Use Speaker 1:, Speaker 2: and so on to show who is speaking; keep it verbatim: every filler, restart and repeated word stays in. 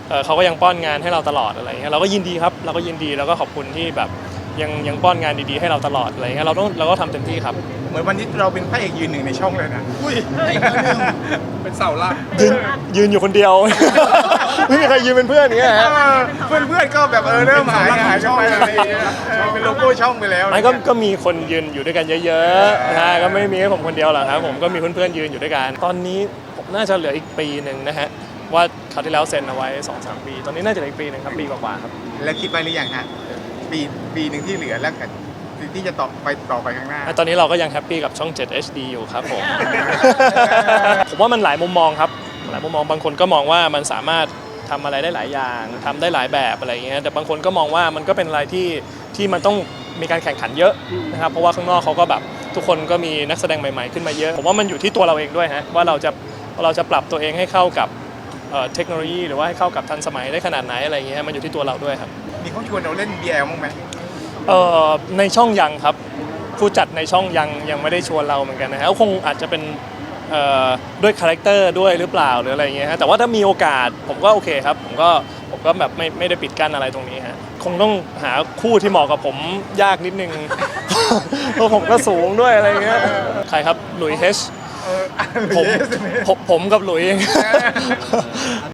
Speaker 1: เอ่อเขาก็ยังป้อนงานให้เราตลอดอะไรเงี้ยเราก็ยินดีครับเราก็ยินดีแล้วก็ขอบคุณที่แบบยังยังป้อนงานดีๆให้เราตลอดอะไรเงี้ยเราต้องเราก็ทำเต็มที่ครับ
Speaker 2: เหมือนวันนี้เราเป็นพระเอกยืนหนึ่งในช่องเลยนะอุ้ยพระเอกยืนหนึ่งเป็นเสาหลัก
Speaker 1: ยืนยืนอยู่คนเดียว ไม่มีใครยืนเป็นเพื่อนอย่างเงี้ยฮะ
Speaker 2: เพื่อนเพื่อนๆก็แบบเออเริ่มหายหายช่องอะไรอย่างเงี้ยเป็นโลโก้ช่องไปแล้ว
Speaker 1: ไม่ก็ก็มีคนยืนอยู่ด้วยกันเยอะๆนะฮะก็ไม่มีแค่ผมคนเดียวหรอกครับผมก็มีเพื่อนๆยืนอยู่ด้วยกันตอนนี้ผมน่าจะเหลืออีกปีหนึ่งนะฮะว่าคราวที่แล้วเซ็นเอาไว้ สองถึงสาม ปีตอนนี้น่าจะเหลืออีกปีหนึ่งครับปีกว่าๆครับ
Speaker 2: แล้วคิดไปหรือยังฮะปีปีหนึ่งที่เหลือแล้วกันที่จะต่อไปต่อไปข้างหน้า
Speaker 1: ตอนนี้เราก็ยังแฮปปี้กับช่อง เจ็ด เอช ดี อยู่ครับผม ผมว่ามันหลายมุมมองครับหลายมุมมองบางคนก็มองว่ามันสามารถทำอะไรได้หลายอย่างทำได้หลายแบบอะไรอย่างเงี้ยแต่บางคนก็มองว่ามันก็เป็นอะไรที่ที่มันต้องมีการแข่งขันเยอะนะครับเพราะว่าข้างนอกเขาก็แบบทุกคนก็มีนักแสดงใหม่ๆขึ้นมาเยอะผมว่ามันอยู่ที่ตัวเราเองด้วยฮะว่าเราจะเราจะปรับตัวเองให้เข้ากับเทคโนโลยีหรือว่าให้เข้ากับทันสมัยได้ขนาดไหนอะไรอย่างเงี้ยมันอยู่ที่ตัวเราด้วยครับ
Speaker 2: มีเขาชวนเราเล่น บี แอล บ้างไหม
Speaker 1: เอ่อในช่องยังครับผู้จัดในช่องยังยังไม่ได้ชวนเราเหมือนกันนะฮะคงอาจจะเป็นด้วยคาแรคเตอร์ด้วยหรือเปล่าหรืออะไรเงี้ยฮะแต่ว่าถ้ามีโอกาสผมก็โอเคครับผมก็ผมก็แบบไม่ไม่ได้ปิดกั้นอะไรตรงนี้ฮะคงต้องหาคู่ที่เหมาะกับผมยากนิดนึง เพราะผมก็สูงด้วยอะไรเงี้ยใครครับหลุยเฮชผมผมกับหลุย